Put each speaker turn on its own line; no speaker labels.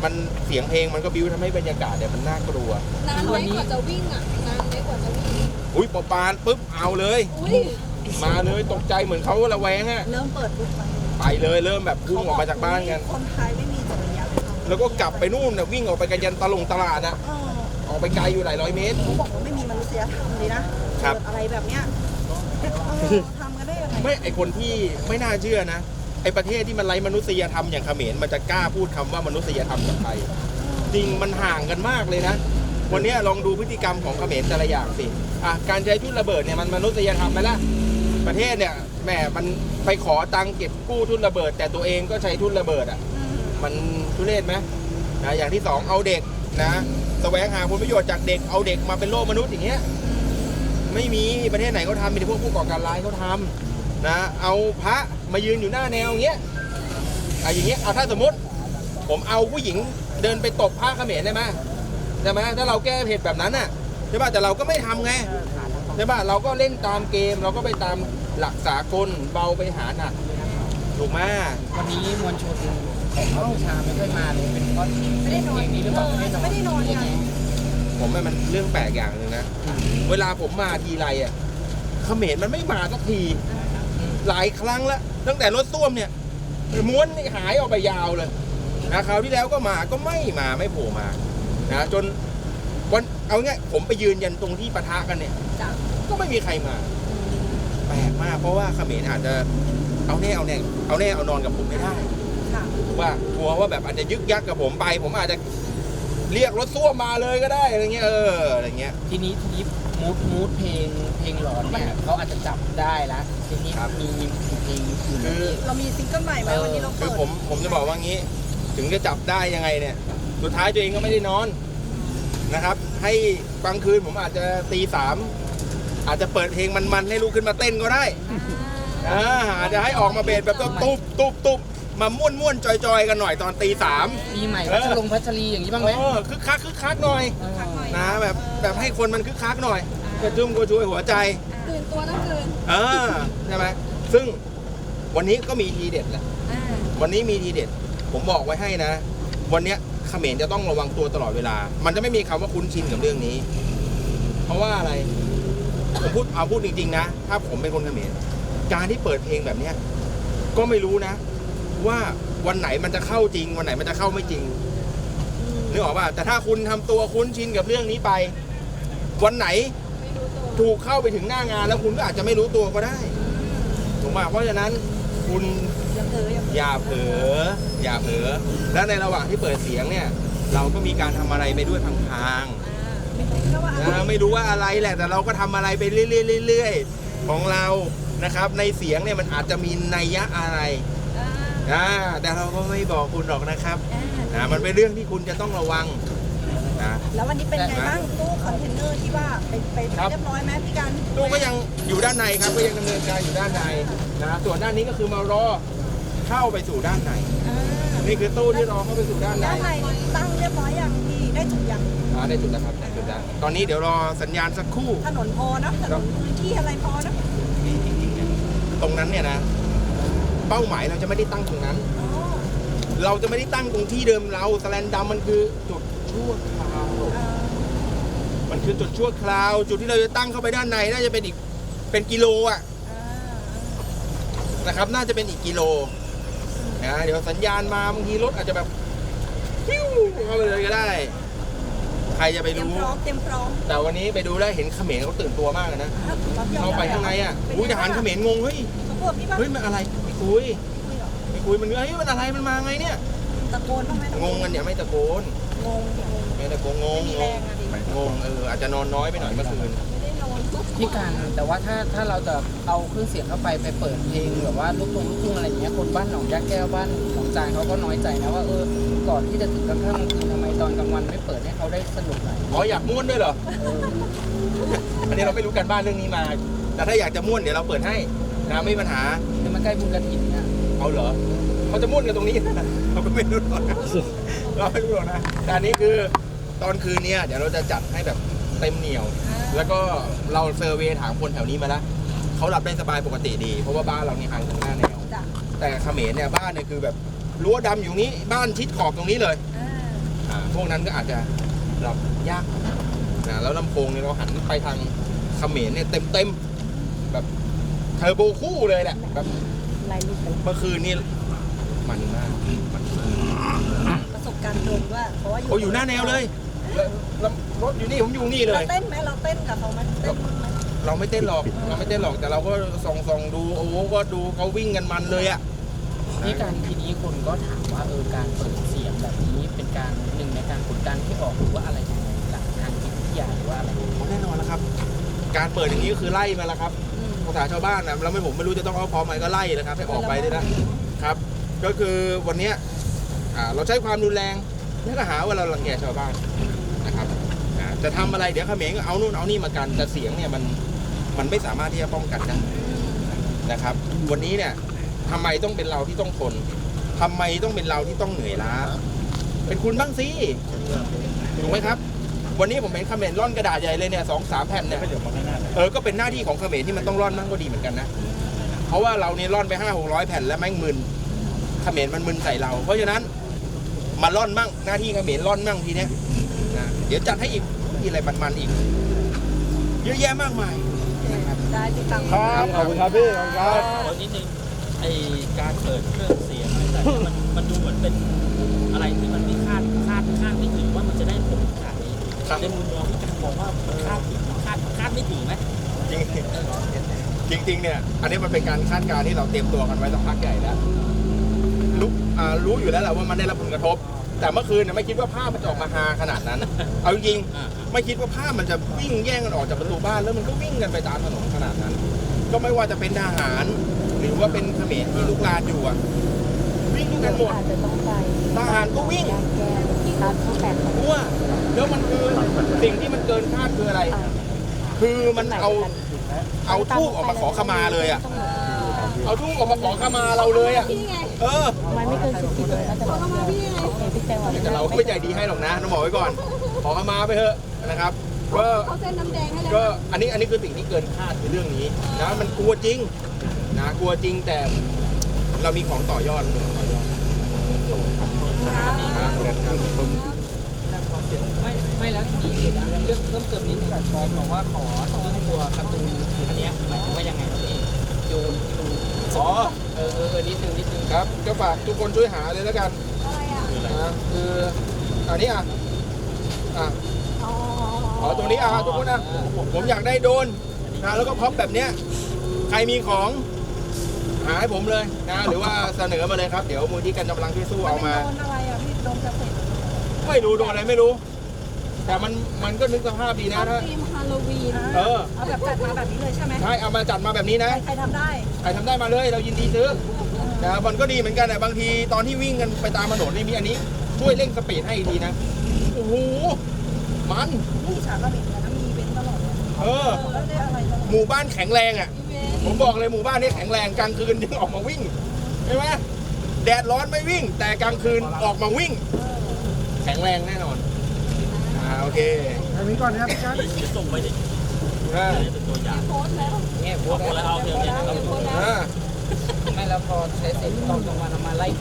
มันเสียงเพลงมันก็บิ้วทำให้บรรยากาศเนี่ยมันน่ากลัวน
านไหมกว่าจะวิ่งอ่ะนานไหมกว่าจะวิ่ง
อุ้ยปานปุ๊บเอาเลยมาเลยตกใจเหมือนเขาระแวงอะ
เริ่มเปิดปุ๊บ
ไปเลยเริ่มแบบพุ่งออกมาจากบ้านกัน
คนไทยไม่มีจริยธรรม
แล้วก็กลับไปนู่นนะวิ่งออกไปกันยันตลาดนะออกไปไกลอยู่หลายร้อยเมตร
เขาบอกว่าไม่มีมนุษยธรรมเลยนะอะไรแบบเนี้ยทำกันได้ยังไง
ไม่ไอคนที่ไม่น่าเชื่อนะไอประเทศที่มันไร้มนุษยธรรมอย่างเขมรมันจะกล้าพูดคำว่ามนุษยธรรมกับไทยจริงมันห่างกันมากเลยนะวันนี้ลองดูพฤติกรรมของเขมรแต่ละอย่างสิการใช้ทุ่นระเบิดเนี่ยมันมนุษยธรรมไหมล่ะประเทศเนี่ยแหมมันไปขอตังเก็บกู้ทุ่นระเบิดแต่ตัวเองก็ใช้ทุ่นระเบิดมันทุเรศไหมนะอย่างที่สองเอาเด็กนะแสวงหาผลประโยชน์จากเด็กเอาเด็กมาเป็นโล่มนุษย์อย่างเงี้ยไม่มีประเทศไหนเขาทำมีแต่พวกผู้ก่อการร้ายเขาทำนะเอาพระมายืนอยู่หน้าแนวอย่างเงี้ยอย่างเงี้ยถ้าสมมติผมเอาผู้หญิงเดินไปตบพระเขมรได้ไหมถ้าเราแก้เหตุแบบนั้นน่ะใช่ป่ะแต่เราก็ไม่ทำไงใช่ป่ะเราก็เล่นตามเกมเราก็ไปตามหลักสากลเบาไปหาหนักถูกไหม
วันนี้มวลชนของกัมพูชาไม่ค่อยมาเลยเป็นเพราะ
ไม่ได้นอน
นี้หรือเปล่าไม่ได้นอน
กัน
ผมว่ามันเรื่องแปลกอย่างหนึ่งนะเวลาผมมาทีไรเขมรมันไม่มาสักทีหลายครั้งแล้วตั้งแต่รถส้วมเนี่ยม้วนหายออกไปยาวเลยนะคราวที่แล้วก็มาก็ไม่โผล่มานะจนวันเอาง่ายผมไปยืนยันตรงที่ปะทะกันเนี่ยก็ไม่มีใครมาแปลกมากเพราะว่าเขมรอาจจะเอาแน่เอานอนกับผมไม่ได้ว่ากลัวว่าแบบอาจจะยึกยักกับผมไปผมอาจจะเรียกรถส้วมมาเลยก็ได้อะไรเงี้ยอะไรเงี้ย
ทีนี้มูดเพลงหลอนเนี่ยเขาอาจจะจับได้แล้วทีนี้มีเพลง
คือ
เรามีซิงเกิลใหม่ไหมวันนี้เรา
คือผมจะบอกว่างี้ถึงจะจับได้ยังไงเนี่ยสุดท้ายตัวเองก็ไม่ได้นอนนะครับให้บางคืนผมอาจจะตี 3อาจจะเปิดเพลงมันให้ลูกขึ้นมาเต้นก็ได้อาจจะให้ออกมาเบสแบบตุ๊บมาม่วนจอยกันหน่อยตอนตี 3
ปีใหม่พัชรีอย่างนี้บ้างไหม
คึกคักหน่อยนะแบบให้คนมันคึกคักหน่อยกระชุ่มกระชวยหัวใจ
ตื่นตัวต้องตื่น
ใช่ไหมซึ่งวันนี้ก็มีทีเด็ดแหละวันนี้มีทีเด็ดผมบอกไว้ให้นะวันนี้เขมรจะต้องระวังตัวตลอดเวลามันจะไม่มีคำว่าคุ้นชินกับเรื่องนี้เพราะว่าอะไรผมพูดจริงๆนะถ้าผมเป็นคนเขมรการที่เปิดเพลงแบบนี้ก็ไม่รู้นะว่าวันไหนมันจะเข้าจริงวันไหนมันจะเข้าไม่จริงนึกออกป่ะแต่ถ้าคุณทำตัวคุ้นชินกับเรื่องนี้ไปวันไหนถูกเข้าไปถึงหน้างานแล้วคุณก็อาจจะไม่รู้ตัวก็ได้ถูกป่ะเพราะฉะนั้นคุณอย่าเผลอแล้วในระหว่างที่เปิดเสียงเนี่ยเราก็มีการทำอะไรไปด้วยพลางๆไม่รู้ว่าอะไรแหละแต่เราก็ทำอะไรไปเรื่อยๆของเรานะครับในเสียงเนี่ยมันอาจจะมีนัยยะอะไรแต่เราก็ไม่บอกคุณหรอกนะครับมันเป็นเรื่องที่คุณจะต้องระวัง
แล้ววันนี้เป็นไงบ้างตู้คอนเทนเนอร์ที่ว่าไปเรียบร้อยไหมพี่กัน
ตู้ก็ยังอยู่ด้านในครับก็ยังดำเนินการอยู่ด้านในนะส่วนด้านนี้ก็คือมารอเข้าไปสู่ด้านในนี่คือตู้ที่รอเข้าไปสู่ด้านใน
ตั้งเรียบร้อยอย่างที่ได้จุดยัง
ได้จุดแล้วครับได้จุดแล้วตอนนี้เดี๋ยวรอสัญญาณสักครู่
ถนนพอนะถนนพื้นที่อะไรพอนะ
ตรงนั้นเนี่ยนะเป้าหมายเราจะไม่ได้ตั้งตรงนั้นเราจะไม่ได้ตั้งตรงที่เดิมเราสแลนดัมมันคือจุดชั่วคราวมันคือจุดชั่วคราวจุดที่เราจะตั้งเข้าไปด้านในน่าจะเป็นกิโลนะครับน่าจะเป็นอีกกิโลเดี๋ยวสัญญาณมาบางทีรถอาจจะแบบพิ้วเข้าไปเลยก็ได้ใครจะไปรู้
เต็มพร้อม
แต่วันนี้ไปดูแล้วเห็นเขมรเขาตื่นตัวมากนะเข้าไปข้างในทหารเขมรงงเฮ้ยมันอะไรไม่คุยมันเฮ้ยมันอะไรมันมาไงเนี่ย
ตะโกนบ้างไหม
งงกันเนี่ยไม่ตะโกนไม่ตะโกนงงอาจจะนอนน้อยไปหน่อยเมื่อคืน
พี่การแต่ว่าถ้าเราจะเอาเครื่องเสียงเข้าไปเปิดเพลงหรือว่าลูกทุ่งอะไรอย่างเงี้ยคนบ้านหนองยาแก้วบ้านหนองจานเขาก็น้อยใจนะว่าก่อนที่จะถึงกลางค่ำกลางคืนทำไมตอนกลางวันไม่เปิดให้เขาได้สนุกหน่อย
อยากม่วนด้วยเหรออันนี้เราไม่รู้กันบ้านเรื่องนี้มาแต่ถ้าอยากจะม่วนเดี๋ยวเราเปิดให้นะไม่มีปัญหา
คือมันใกล้บุญกฐินเนี่ย
เอาเหรอเขาจะม่วนกันตรงนี้เราก็ไม่รู้หรอกเราไม่รู้หรอกนะแต่อันนี้คือตอนคืนนี้เดี๋ยวเราจะจัดให้แบบเต็มเหนียวแล้วก็เราเซอร์เวย์ถามคนแถวนี้มาแล้วเขาหลับได้สบายปกติดีเพราะว่าบ้านเรานี่ห่างจากหน้าแนวแต่เขมรเนี่ยบ้านเนี่ยคือแบบรั้วดำอยู่นี้บ้านชิดขอบตรงนี้เลยพวกนั้นก็อาจจะรับยากนะแล้วลำโพงเนี่ยเราหันไปทางเขมรเนี่ยเต็มแบบเทอร์โบคู่เลยแหละแบบ
ไล่ลูกไป
เมื่อคืนนี่มันมากมัน
ประสบการณ์ตรงด้วยเพราะว่า
เขาอยู่หน้าแนวเลยแล้วรถอยู่นี่ผมอยู่นี่เล
เรา
ย
เต้นไหมเราเต้นกับเขาไหมเต้นไหม
เราไม่เต้นหรอกแต่เราก็ส่องดูโอ้ก็ดูเขาวิ่งกันมันเลยอ่ะ
นี่การทีนี้คนก็ถามว่าการเปิดเสียงแบบนี้เป็นการหนึ่งในการกดดันที่ออกหรือว่าอะไรยังไงหลักทางจิตวิทยาหรือว่าอะไร
แน่นอนแล้วครับ การเปิดอย่างนี้ก็คือไล่มาแล้วครับภาษาชาวบ้านนะแล้วผมไม่รู้จะต้องเอาพร้อมไหมก็ไล่นะครับให้ออกไปเลยนะครับ ก็คือวันเนี้ยเราใช้ความรุนแรงแล้วก็หาว่าเรารังแกชาวบ้านนะครับจะทำอะไรเดี๋ยวเขมรก็เอานู่นเอานี่มากันแต่เสียงเนี่ยมันไม่สามารถที่จะป้องกันได้นะครับ วันนี้เนี่ยทำไมต้องเป็นเราที่ต้องทนทำไมต้องเป็นเราที่ต้องเหนื่อยล้าเป็นคุณบ้างสิถูกไหมครับ วันนี้ผมเห็นเขมรร่อนกระดาษใหญ่เลยเนี่ย2-3 แผ่นเนี่ยก็เป็นหน้าที่ของเขมรที่มันต้องร่อนมั่งก็ดีเหมือนกันนะเพราะว่าเราเนี่ยร่อนไป500-600 แผ่นแล้วแม่งมึนเขมรมันมึนใส่เรา เพราะฉะนั้นมาร่อนมั่งหน้าที่เขมรร่อนมั่งทีเนี้ยนะเดี๋ยวจัดให้อีกมีอะไรมันๆอีกเยอะแยะมากมาย
ได้ติดตาม
ครับขอบคุณครับพี่ขอบคุณครับ
ขอนิดนึงไอการเปิดเครื่องเสียงอะไรแต่างๆมันดูเหมือนเป็นอะไรที่มันไม่คาดไม่ถึงว่ามันจะได้ผลขนาดนี้
ครับ
ในมุมมองที่การมองว่ามันคาดไม่ถึงไหม
จริงเนี่ยอันนี้มันเป็นการคาดการณ์ที่เราเตรียมตัวกันไว้สักพักใหญ่แล้วรู้อยู่แล้วแหละว่ามันได้รับผลกระทบ แต่เมื่อคืนเนี่ยไม่คิดว่าภาพมันจะออกมาฮาขนาดนั้น เอาจริงๆไม่คิดว่าภาพมันจะวิ่งแย่งกันออกจากประตูบ้านแล้วมันก็วิ่งกันไปตามถนนขนาดนั้น ก็ไม่ว่าจะเป็นทหารหรือว่าเป็นเขมรที่ลุกลานอยู่อะวิ่งกันหมด
อาจจะต้องไป
ทหารก็วิ่ง
ยางแก้ตามข้อแปด
รู้ว่าแล้วมันคือสิ่งที่มันเกินคาดคืออะไร คือมันเอาทูบออกมาขอขมาเลยอะเอาทูบออกมาขอขมาเราเลยอะ
พี่ไง
มันไม่เกิน10 เลยก็จะ
ขอเข้ามาพี่ไง
พี่แจ้งว่า
แต่เราก็ไม่ใจดีให้หรอกนะต้องบอกไว้ก่อน ขอขมาไปเถอะนะครับก็
เขาเส้นน้ำแดงให้แล้ว
ก็อันนี้คือสิ่งที่เกินคาดในเรื่องนี้นะมันกลัวจริงนะกลัวจริงแต่เรามีของต่อยอด
ไม่แล้วทีนี้เรื่องเพิ่มเติมนิดนึงบอกว่าขอตัวการ์ตูนอันเนี้ยหมายถึงว่ายังไงครับพี่โยน
อ๋อ
นิดนึง
ครับก็ฝากทุกคนช่วยหาเลยแล้วกัน
อะไรอ่ะ
นะคืออันนี้อ๋อตรงนี้ทุกคนผมอยากได้โดรนนะแล้วก็พร็อพแบบเนี้ยใครมีของหาให้ผมเลยนะหรือว่าเสนอมาเลยครับเดี๋ยวมูลที่กันกำลังช่วยสู้เอามา
โดนอะไรอ่ะพี่โดนเกษตร
ไม่รู้โดนอะไรไม่รู้ แต่มันก็นึกสภาพดีนะถ้า
ทีมฮาโลวีน
เอาแบบจัดมาแบบนี้เลยใช่ไหม
ใช่เอามาจัดมาแบบนี้นะ
ใครทำได้
ใครทำได้มาเลยเรายินดีซื้อนะมันก็ดีเหมือนกันแต่บางทีตอนที่วิ่งกันไปตามถนนนี่มีอันนี้ช่วยเร่งสปีดให้อีกทีนะโอ้โหมัน
นี่ฉากก็มีนะมีเว้นตลอดเลย แล้วได้อะไรตลอด
หมู่บ้านแข็งแรงอ่ะ
อีเวนต์
ผมบอกเลยหมู่บ้านนี้แข็งแรงกลางคืนยังออกมาวิ่งใช่ไหมแดดร้อนไม่วิ่ง แต่กลางคืนออกมาวิ่ง แข็งแรงแน่นอนโอเค
เดี๋ยวส่งไปดิ
อ่า
เป็นตัวอย่าง
โพสต์แล้ว
เนี่ย
เอาคนละเอาเดี๋ยวเนี่ย
โพสต์แล้ว
อ่า
ไม่แล้วพอใช้เสร็จตอนกลางวันเอามาไล่